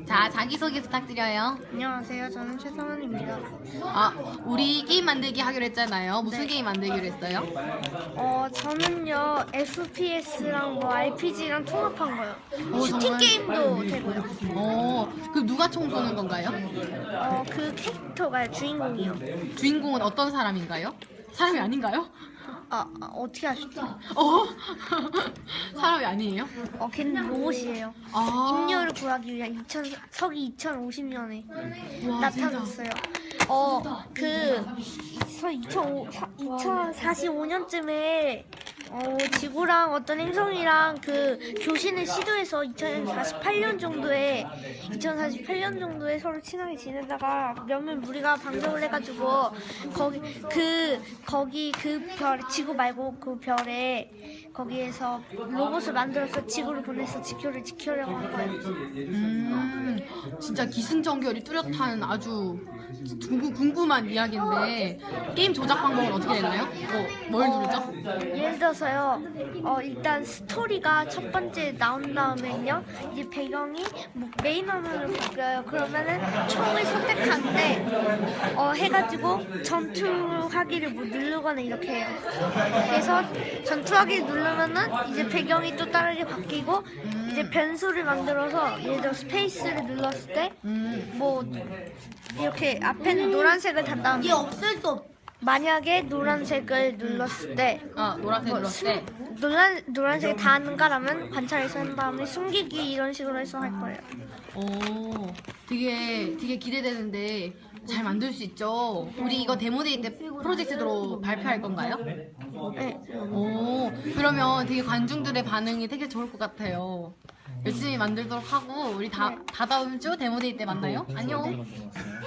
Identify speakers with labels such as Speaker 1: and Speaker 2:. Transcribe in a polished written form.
Speaker 1: 자, 자기소개 부탁드려요.
Speaker 2: 안녕하세요. 저는 최성은입니다.
Speaker 1: 아, 우리 게임 만들기 하기로 했잖아요. 무슨
Speaker 2: 네.
Speaker 1: 게임 만들기로 했어요?
Speaker 2: 저는요 FPS랑 뭐 RPG랑 통합한 거요. 슈팅
Speaker 1: 정말?
Speaker 2: 게임도 되고요.
Speaker 1: 그럼 누가 총 쏘는 건가요?
Speaker 2: 그 캐릭터가 주인공이요.
Speaker 1: 주인공은 어떤 사람인가요? 사람이 아닌가요?
Speaker 2: 어떻게 아셨죠?
Speaker 1: 사람이 아니에요?
Speaker 2: 걔는 로봇이에요.
Speaker 1: 아,
Speaker 2: 인류를 구하기 위한 서기 2050년에
Speaker 1: 와,
Speaker 2: 나타났어요. 그 2045년쯤에 지구랑 어떤 행성이랑 그 교신을 시도해서 2048년 정도에 서로 친하게 지내다가 몇몇 무리가 방정을 해가지고 거기 그 별 지구 말고 그 별에 거기에서 로봇을 만들어서 지구를 보내서 지구를 지키려고 한 거예요.
Speaker 1: 진짜 기승전결이 뚜렷한 아주 궁금한 이야기인데 게임 조작 방법은 어떻게 되나요? 뭘 누르죠?
Speaker 2: 예를 들어서요, 일단 스토리가 첫 번째 나온 다음에는요, 이제 배경이 뭐 메인 화면으로 바뀌어요. 그러면은 총을 선택하는데, 해가지고 전투하기를 뭐 누르거나 이렇게 해요. 그래서 전투하기를 누르면은 이제 배경이 또 다르게 바뀌고, 이제 변수를 만들어서 예를 들어 스페이스를 눌렀을 때, 뭐 이렇게 앞에는 노란색을 단 다음에
Speaker 3: 이게 없을 수 없.
Speaker 2: 만약에 노란색을 눌렀을 때
Speaker 1: 노란색 눌렀을 때.
Speaker 2: 노란색이 다 하는가라면 관찰해서 한 다음에 숨기기 이런 식으로 해서 할 거예요.
Speaker 1: 되게 기대되는데 잘 만들 수 있죠? 우리 이거 데모데이 때 프로젝트로 발표할 건가요?
Speaker 2: 네.
Speaker 1: 그러면 되게 관중들의 반응이 되게 좋을 것 같아요. 열심히 만들도록 하고 우리 다다음 주 데모데이 때 만나요. 안녕.